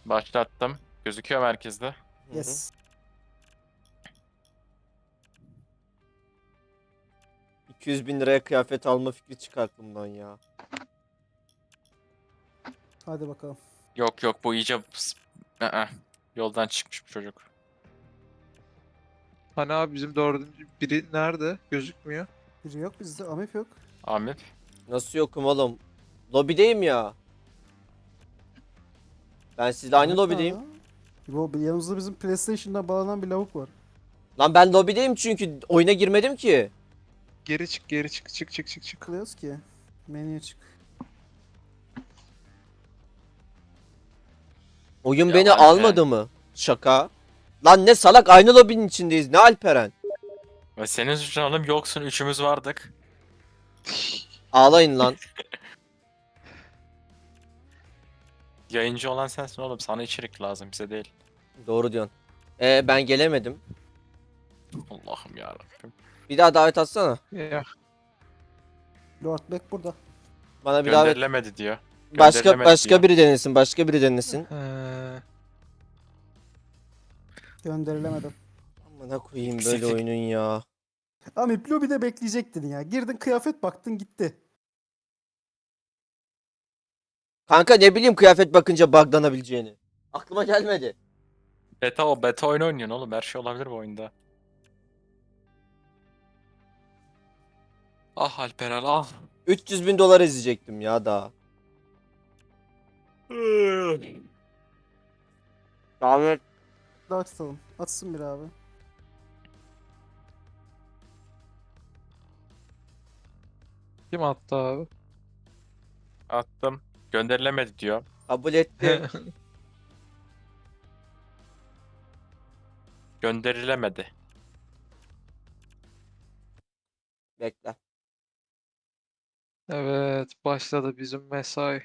Başlattım. Gözüküyor merkezde. Hı hı. Yes. 200.000 liraya kıyafet alma fikri çıktı aklımdan ya. Hadi bakalım. Yok yok, bu iyice Aa, yoldan çıkmış bu çocuk. Hani abi bizim dördüncü biri nerede? Gözükmüyor. Biri yok bizde. Amip yok. Amip. Nasıl yokum oğlum? Lobideyim ya. Ben sizle aynı Amip lobideyim. nerede? Bu yanımızda bizim PlayStation'dan bağlanan bir lavuk var. Lan ben lobideyim çünkü oyuna girmedim ki. Geri çık, geri çık, çık çık çık çık. Kılıyoruz ki. Menüye çık. Oyun Ya beni Alperen. almadı mı? Şaka. Lan ne salak, aynı lobinin içindeyiz. Ne Alperen? Ve senin suçun oğlum, yoksun, üçümüz vardık. Ağlayın lan. Yayıncı olan sensin oğlum, sana içerik lazım, bize değil. Doğru diyorsun. Ben gelemedim. Allah'ım yarabbim. Bir daha davet atsana. Ya Lord Beck burada. Bana bir davet. Gönderilemedi diyor. Başka Gönderilemedi diyor. biri denesin. Başka biri denesin. Gönderilemedim. Amına koyayım böyle Eksiklik. oyunun ya. Amip lobide bekleyecektin ya. Girdin kıyafet baktın gitti. Kanka ne bileyim kıyafet bakınca bug'lanabileceğini. Aklıma gelmedi. Beta oyunu oynuyorsun oğlum, her şey olabilir bu oyunda. Ah Alperen ah. 300.000 dolar izleyecektim ya daha. Davet. Daha tutalım. Atsın bir abi. kim attı abi? Attım. Gönderilemedi diyor. Kabul ettim. Gönderilemedi. Bekle. Evet, başladı bizim mesai.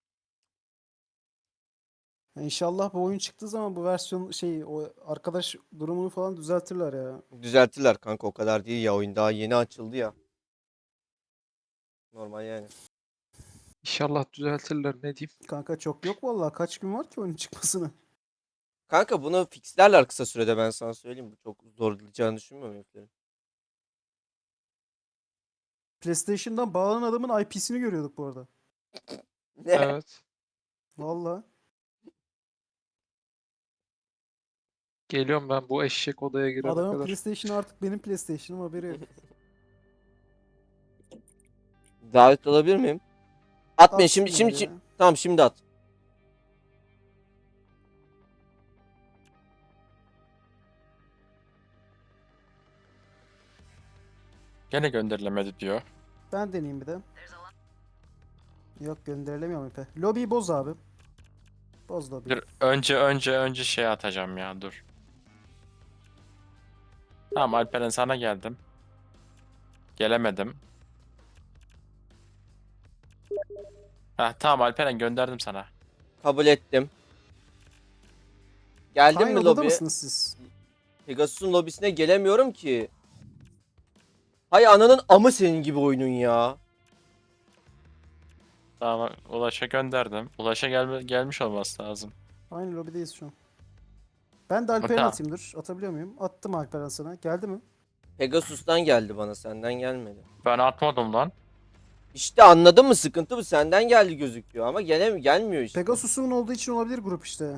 İnşallah bu oyun çıktığı zaman bu versiyon o arkadaş durumunu falan düzeltirler ya. Düzelttiler kanka, o kadar değil ya, oyun daha yeni açıldı ya. Normal yani. İnşallah düzeltirler, ne diyeyim. Kanka çok yok vallahi. Kaç gün var ki oyunun çıkmasına? Kanka bunu fixlerler kısa sürede, ben sana söyleyeyim. Bu çok zorlayacağını düşünmüyorum heriflerin. PlayStation'dan bağlanan adamın IP'sini görüyorduk bu arada. Ne? Evet. Vallahi. Geliyorum ben bu eşek odaya girene Adamın kadar. PlayStation'ı artık benim PlayStation'ım, haberi yok. Davet alabilir miyim? Atmayın şimdi Atsınlar şimdi, ya. tamam şimdi at. Gene gönderilemedi diyor. Ben deneyeyim bir de. Yok, gönderilemiyor ipe. Lobby'yi boz abi. Boz lobby'yi. Dur, önce şey atacağım ya, dur. Tamam Alperen, sana geldim. Gelemedim. Heh, tamam Alperen, gönderdim sana. Kabul ettim. Geldin Aynı mi odada lobiye? mısınız siz? Pegasus'un lobisine gelemiyorum ki. Hay ananın amı senin gibi oyunun ya. Tamam, Ulaş'a gönderdim. Ulaş'a gelmiş olması lazım. Aynı lobideyiz şu an. Ben de Alperen'e Tamam. atayım, dur. Atabiliyor muyum? Attım Alperen sana. Geldi mi? Pegasus'tan geldi bana, senden gelmedi. Ben atmadım lan. İşte anladın mı, sıkıntı bu, senden geldi gözüküyor ama gelmiyor işte. Pegasus'un olduğu için olabilir grup işte.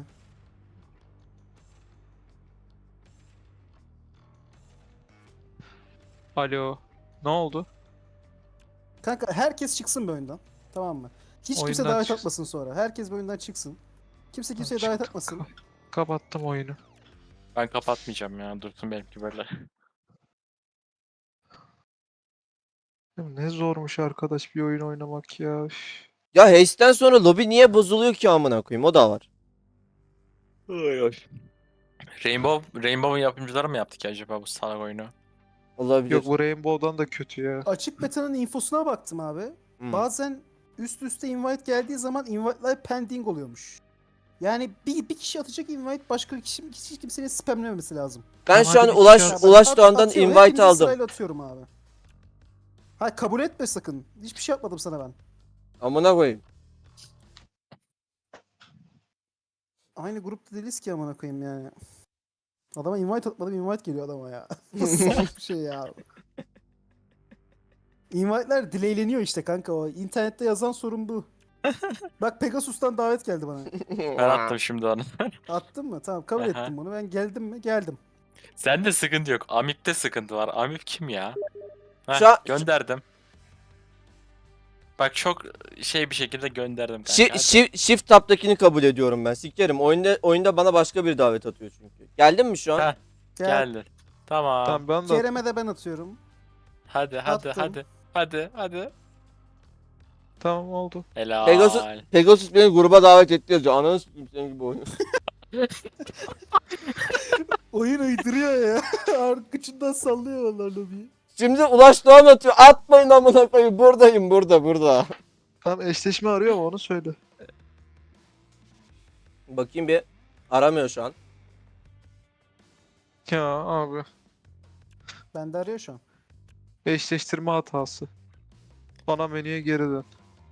Alo. Ne oldu? Kanka herkes çıksın bu oyundan. Tamam mı? Hiç kimse Oyundan davet çıksın. atmasın sonra. Herkes bu oyundan çıksın. Kimse kimseye davet Çıktım. atmasın. Kapattım oyunu. Ben kapatmayacağım ya. Dursun benimki böyle. Ya ne zormuş arkadaş bir oyun oynamak ya. Üf. Ya Haste'den sonra lobi niye bozuluyor ki amına koyayım, o da var. Rainbow'un yapımcıları mı yaptı ki acaba bu salak oyunu? Olabilir. Yok, bu Rainbow'dan da kötü ya. Açık beta'nın infosuna baktım abi. Bazen üst üste invite geldiği zaman invite'lar pending oluyormuş. Yani bir kişi atacak invite, başka kişi hiç kimsenin spamlememesi lazım. Ben Tamam, şu an hadi bir Ulaş kişi at. Ulaş Doğan'dan Atıyorum, invite hepinize aldım. sırayla atıyorum abi. Hayır, kabul etme sakın. Hiçbir şey yapmadım sana ben. Amına koyayım. aynı grupta değiliz ki amına koyayım yani. Adama invite atmadım, invite geliyor adama ya. Nasıl salak bir şey ya. Invite'ler delayleniyor işte kanka o. İnternette yazan sorun bu. Bak Pegasus'tan davet geldi bana. Ben attım şimdi onu. Attın mı? Tamam kabul Aha. ettim bunu. Ben geldim mi? Geldim. Sende sıkıntı yok. Amip'te sıkıntı var. Amip kim ya? Heh, Şu an- gönderdim. Bak çok şey bir şekilde gönderdim kanka. Shift tab'takini kabul ediyorum ben. Sikerim. Oyunda bana başka bir davet atıyor çünkü. Geldin mi şu an? Ha. Gel. Geldi. Tamam. Tamam ben de Kerem'e de ben atıyorum. Hadi hadi Attım. hadi. Hadi hadi. tamam oldu. Helal. Pegasus beni gruba davet etti yazıyor. Ananı sikeyim senin gibi oyun. Oyun uyduruyor ya. Arkasından sallıyor vallahi lobiyi. Şimdi Ulaş Doğan atıyor. Atmayın amına koyayım. Buradayım burada. Tamam eşleşme arıyor mu onu söyle. Bakayım bir. Aramıyor şu an. Ya abi. Bende arıyor şu an. Eşleştirme hatası. Bana menüye geri dön.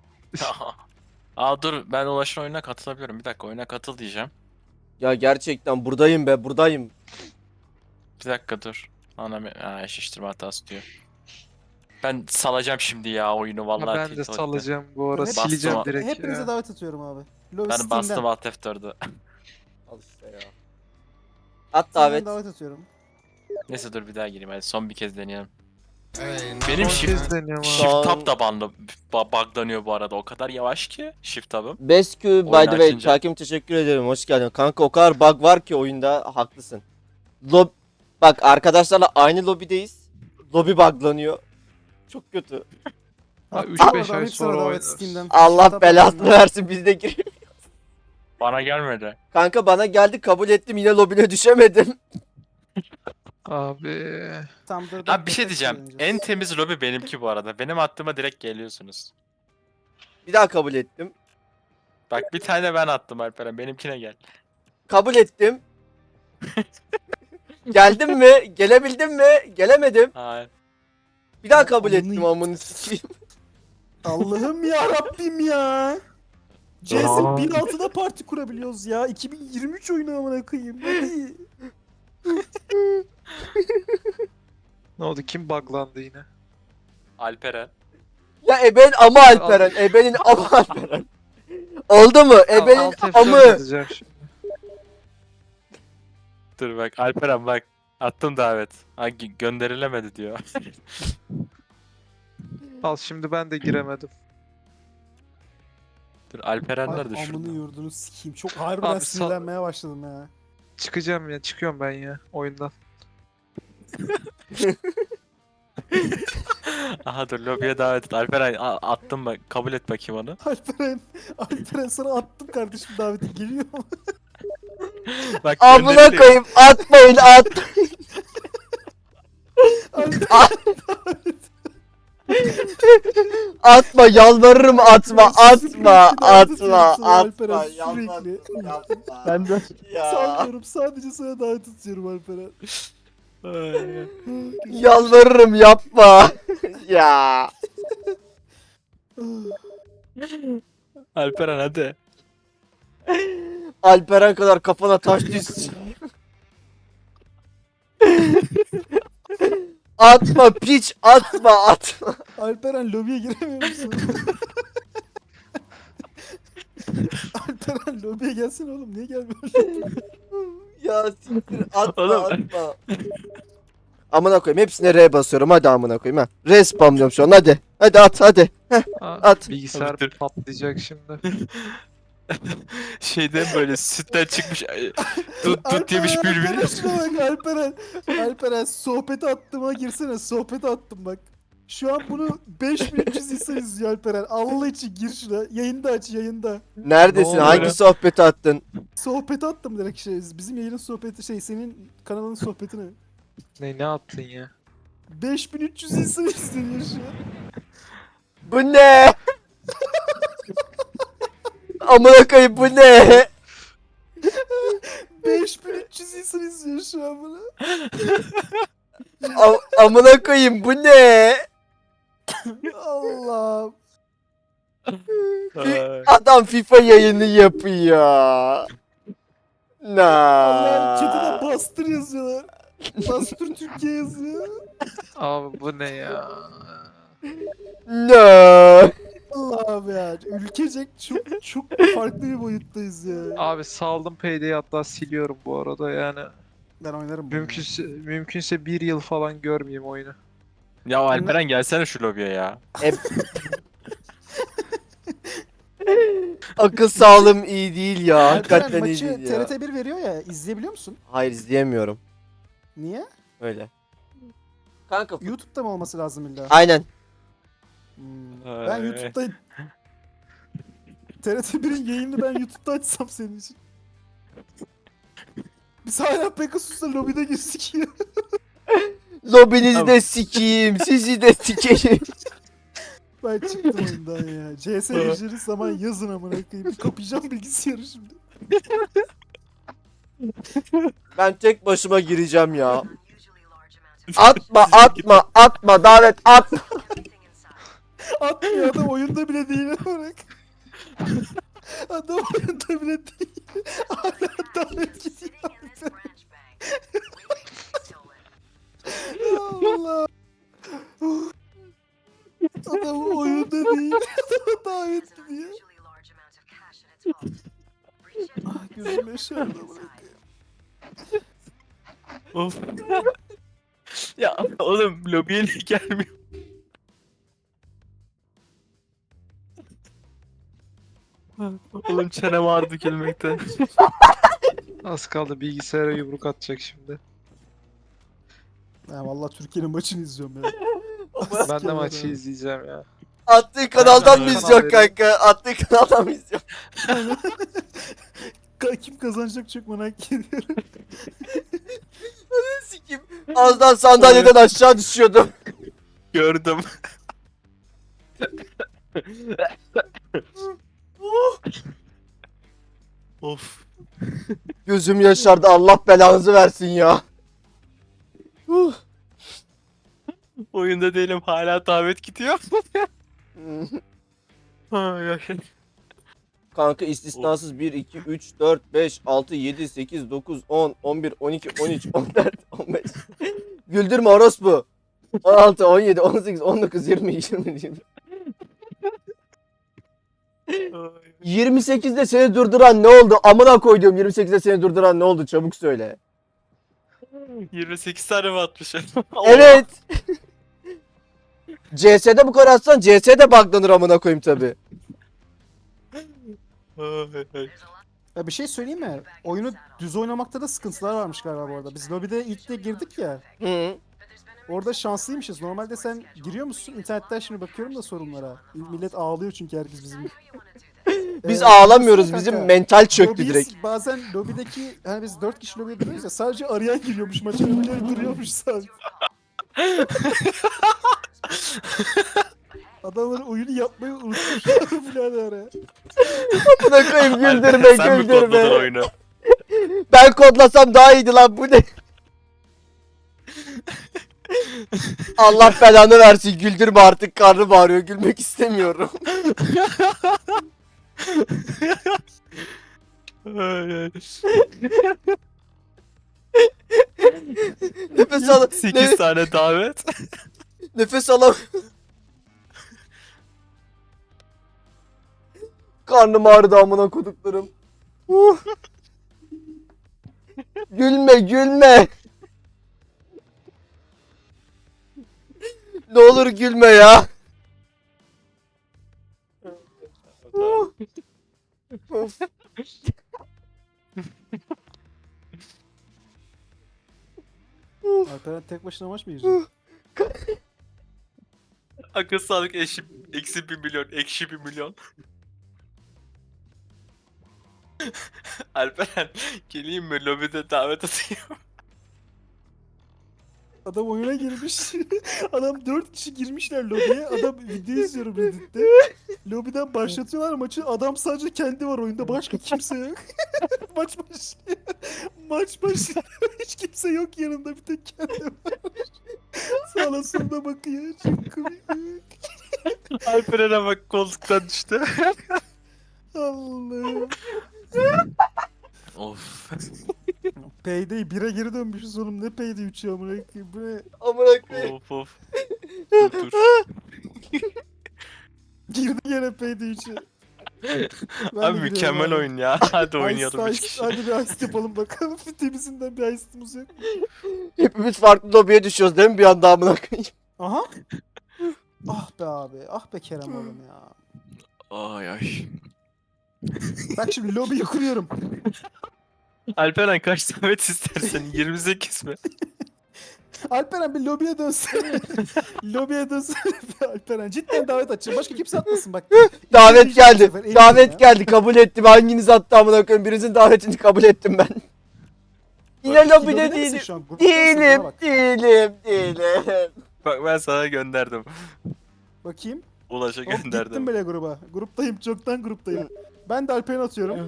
Aa dur ben Ulaş'ın oyununa katılabiliyorum. Bir dakika oyuna katıl diyeceğim. Ya gerçekten buradayım be buradayım. Bir dakika dur. Eşleştirme hatası diyor. Ben salacağım şimdi ya oyunu Ya vallahi. ben de tilt oldu. salacağım bu ara Bastım. sileceğim Bastım. direkt Hepinize ya. davet atıyorum abi. Lobby Ben Steam'den. bastım Alt F4'ü. Al işte ya. At Steam'den davet. davet atıyorum. Neyse dur bir daha gireyim hadi son bir kez deneyelim. Benim Son shift, kez deniyorum abi. shift tab da buglanıyor bu arada. O kadar yavaş ki shift tabım. Best Q by Oyunu the way. açınca. Takip teşekkür ederim. Hoş geldin. Kanka o kadar bug var ki oyunda haklısın. Bak arkadaşlarla aynı lobideyiz. Lobi buglanıyor. Çok kötü. Ha, Attım 3-5 oradan, ay hepsine sonra davet oynarız. Steam'den. Allah Tabii belasını yani. versin biz de gir. Bana gelmedi. Kanka bana geldi kabul ettim yine lobine düşemedim. Abi. Tam dur, Abi bir şey dur, diyeceğim. oynayacağız. En temiz lobi benimki bu arada. Benim attığıma direkt geliyorsunuz. Bir daha kabul ettim. Bak bir tane ben attım Alperen. Benimkine gel. Kabul ettim. Geldim mi? Gelebildim mi? Gelemedim. Hayır. Bir daha kabul Amını- ettim amını sikeyim. Allah'ım ya Rabbim ya. CS Aa. 1.6'da parti kurabiliyoruz ya. 2023 oyunu amına koyayım. Hadi. Ne oldu? Kim buglandı yine? Alperen. Ya ebenin ama Alperen. Ebenin ama Alperen. Oldu mu? Ebenin Alt F4 amı. yazacağım şimdi. Dur bak Alperen bak. Attım davet. Gönderilemedi diyor. Al şimdi ben de giremedim. Dur Alperen Ay, nerede amını şurada? yurdunu sikeyim. Çok harbiden Abi, sinirlenmeye başladım ya. Çıkacağım ya. Çıkıyorum ben ya oyundan. Aha dur lobiye davet et. Alperen attım bak. Kabul et bakayım onu. Alperen sana attım kardeşim daveti geliyor mu? Bak Amına gönderiliyor. koyayım atmayın at. Atma yalvarırım atma atma atma atma yalvarırım atma. Ben de Ya sanmıyorum, sadece sana davet atıyorum Alperen. yalvarırım yapma. Ya Alperen hadi. Alperen kadar kafana taş düşsün. Atma piç atma. Alperen lobiye giremiyor musun? Alperen lobiye gelsene oğlum, niye gelmiyorsun? Ya siktir atma Oğlum. atma. Amına koyayım hepsine R basıyorum hadi amına koyayım ha. R spamlıyorum şu an hadi. Hadi at hadi. At. Bilgisayar Bitir. patlayacak şimdi. Şeyden böyle sütten çıkmış tut yemiş Alperen, bülbül. şuna bak Alperen. Alperen sohbete attığıma girsene, sohbete attım bak. Şu an bunu 5300 insan izliyor Alperen. Allah için gir şuna. Yayında aç, yayında. Neredesin? Ne Hangi oluyor? sohbeti attın? Sohbeti attım direkt şey. Bizim yayının sohbeti şey, senin kanalın sohbetine. Ne attın ya? 5300 insan izliyor şu an. Bu ne? Amına koyayım bu ne? 5300 insan izliyor şu an bunu. Amına koyayım bu ne? Allah. Adam FIFA yayını yapıyor. Allah chat'e Na. bastır yazıyorlar. Bastır Türkiye yazıyor. Abi bu ne ya? Na. Allah abi ya. Ülkecek çok farklı bir boyuttayız ya. Abi saldım Payday'i, hatta siliyorum bu arada yani. Ben oynarım bunu. Mümkünse bir yıl falan görmeyeyim oyunu. Ya Alperen gelsene şu lobiye ya. Akıl sağlığım iyi değil ya. Alperen Hakikaten iyi maçı değil ya. TRT1 veriyor ya. İzleyebiliyor musun? Hayır izleyemiyorum. Niye? Öyle. Kanka YouTube'da mı olması lazım illa? aynen. Ben Ay. YouTube'da TRT1'in yayını ben YouTube'da açsam senin için. Biz hala Pegasus'la lobide girdik ya. Lobinizi Tamam. de sikeyim. Sizi de sikeyim. Ben çıktım oyundan ya. CS gireceğiniz zaman yazın amına koyayım. Bir kapayacağım bilgisayarı şimdi. Ben tek başıma gireceğim ya. Atma davet atma. Atmıyor adam oyunda bile değil olarak. Adam oyunda bile değil. Hala davet gidiyor. Allah. Adam oyunda değil. Adama davet gidiyor. Ah gözüm yaşardı amına koyayım. Of. Ya oğlum lobiye niye gelmiyor? Oğlum çenem ağrıdı gülmekten. Az kaldı bilgisayara yumruk atacak şimdi. Ya vallahi Türkiye'nin maçını izliyorum ya. Ben de maçı izleyeceğim ya. Attığı kanaldan mı Ben- izliyorsun kanka? Attığı kanaldan mı izliyorsun? Kim kazanacak çok merak ediyorum. Sikeyim. Az daha sandalyeden aşağı düşüyordum. Gördüm. Of. Gözüm yaşardı, Allah belanızı versin ya. Oyunda değilim hala davet gidiyor. Ay, ay. Kanka istisnasız 1, 2, 3, 4, 5, 6, 7, 8, 9, 10, 11, 12, 13, 14, 15. Güldürme orospu. 16, 17, 18, 19, 20, 20, 20. 28'de seni durduran ne oldu? Amına koyduğum 28'de seni durduran ne oldu? Çabuk söyle. 28 tane mi atmış? Evet. CS'de bu kadar atsan CS'de buglanır amına koyayım tabi. Ay, ay. Ya bir şey söyleyeyim mi? Oyunu düz oynamakta da sıkıntılar varmış galiba bu arada. Biz lobide ilk de girdik ya. Hı. Orada şanslıymışız. Normalde sen giriyor musun? İnternetten şimdi bakıyorum da sorunlara. Millet ağlıyor çünkü herkes bizim. Biz Ee, ağlamıyoruz. kanka, Bizim mental çöktü lobiyi- direkt. Bazen lobideki hani biz 4 kişi lobiye giriyoruz ya sadece arayan giriyormuş maça. Öbürleri duruyormuş sadece. Adamlar oyunu yapmayı unutmuşlar birader ya. Amına koyayım güldürme Alperen, sen mi kodladın güldürme. oyunu? Ben kodlasam daha iyiydi lan bu ne? Allah belanı versin güldürme artık karnım ağrıyor gülmek istemiyorum. Ay, ay. Nefes al 8 tane davet. nefes alam. Karnım ağrıdı amına koduklarım. Gülme gülme. Ne olur gülme ya. Of. Alperen tek başına maç mı girecek? Akıl sağlık eksi 1 milyon, ekşi 1 milyon. Alperen geleyim mi lobide davet atayım. Adam oyuna girmiş. Adam 4 kişi girmişler lobiye. Adam video izliyorum Reddit'te. Lobiden başlatıyorlar maçı. Adam sadece kendi var oyunda. Başka kimse yok. Maç başlıyor. Maç başlıyor. Hiç kimse yok yanında. Bir tek kendi var. Sağına soluna bakıyor. Çok komik. Alperen'e bak koltuktan düştü. Allah'ım. Of. Of. Payday 1'e geri dönmüşüz oğlum. Ne Payday 3 ya amına koyayım. Bu ne? Amına koyayım. Of. Dur. Girdi gene Payday 3'e. Abi mükemmel oyun ya. Hadi oynayalım 3 kişi. Hadi bir heist yapalım bakalım. Temizinden bir heistimiz yok. Hepimiz farklı lobiye düşüyoruz değil mi bir anda amına koyayım? Aha. Ah be abi. Ah be Kerem oğlum ya. Ay. Bak şimdi lobiyi kuruyorum. Alperen kaç davet istersen 28 mi? Alperen bir lobiye dönsene. Lobiye dönsene bir Alperen. Cidden davet açacağım. Başka kimse atmasın bak. Davet Bu geldi. sefer eminim Davet ya. geldi. Kabul ettim. Hanginiz attı amına koyayım? Birinizin davetini kabul ettim ben. Yine Lobide lobide misin değilim. şu an? Gruptasın, bana bak. Değilim. Bak ben sana gönderdim. Bakayım. Ulaş'a Hop gittim gönderdim. bile gruba. Gruptayım. Çoktan gruptayım. Ben de Alperen'e atıyorum.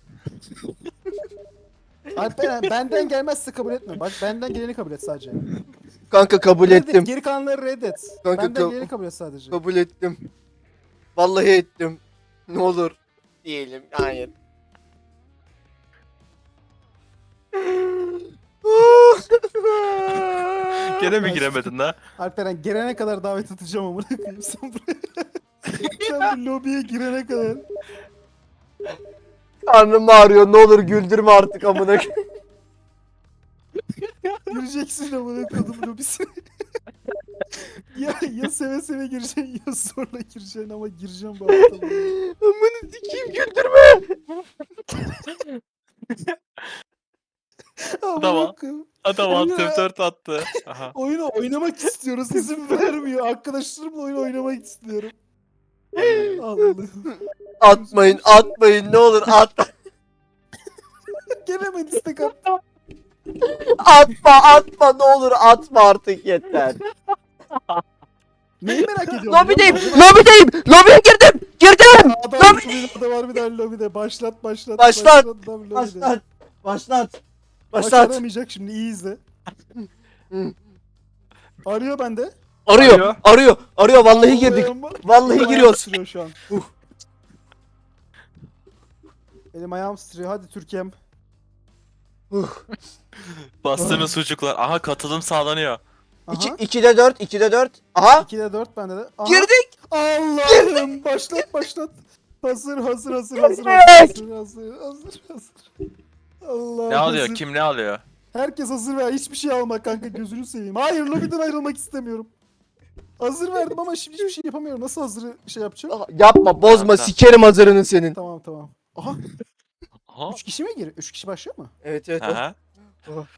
Alperen benden gelmezse kabul etme. Bak benden geleni kabul et sadece. Kanka kabul Reddet, ettim. geri kalanları reddet. Kanka, Benden geleni kabul et sadece. Kabul ettim. Vallahi ettim. Ne olur. Diyelim. Hayır. Gene mi giremedin la? Alperen gelene kadar davet atacağım amına koyayım sen buraya. Sen bu lobiye girene kadar. Karnım ağrıyor. Ne olur güldürme artık amına koyayım. Gireceksin amına koydum lobisine. ya seve seve gireceksin ya zorla gireceksin ama gireceğim bu hafta. Amına sikeyim güldürme. Amına Tamam. koyayım. Adam Oyna. alt F4 attı. Aha. Oyunu oynamak istiyoruz. İzin vermiyor. Arkadaşlarımla oyun oynamak istiyorum. Allah'ım. Atmayın ne olur atma. Gene mi istek attı? Atma ne olur atma artık yeter. Neyi merak ediyorum? Lobideyim biliyor musun? lobiye girdim. Adam şurada var bir daha lobide. Başlat. Başlat. Adam lobide. Başlat. Başaramayacak şimdi iyi izle. Hı. Arıyor bende. Arıyor vallahi girdik. Vallahi Elim ayağım giriyoruz. titriyor şu an. Elim ayağım titriyor. Hadi Türkiye'm. Bastığınız sucuklar. Aha katılım sağlanıyor. Aha. 2'de 4. Aha. 2'de 4 bende de. Aha. Girdik. Allah'ım başlat. Hazır. Allah. Ne alıyor? Kim ne alıyor? Herkes hazır ver. Hiçbir şey alma kanka gözünü seveyim. Hayır lobiden ayrılmak istemiyorum. Hazır verdim ama şimdi hiçbir şey yapamıyorum. Nasıl hazırı şey yapacağım? Yapma bozma Tamam. sikerim hazırını senin. Tamam. Aha. Aha. 3 kişi mi gir? 3 kişi başlıyor mu? Evet. Aha.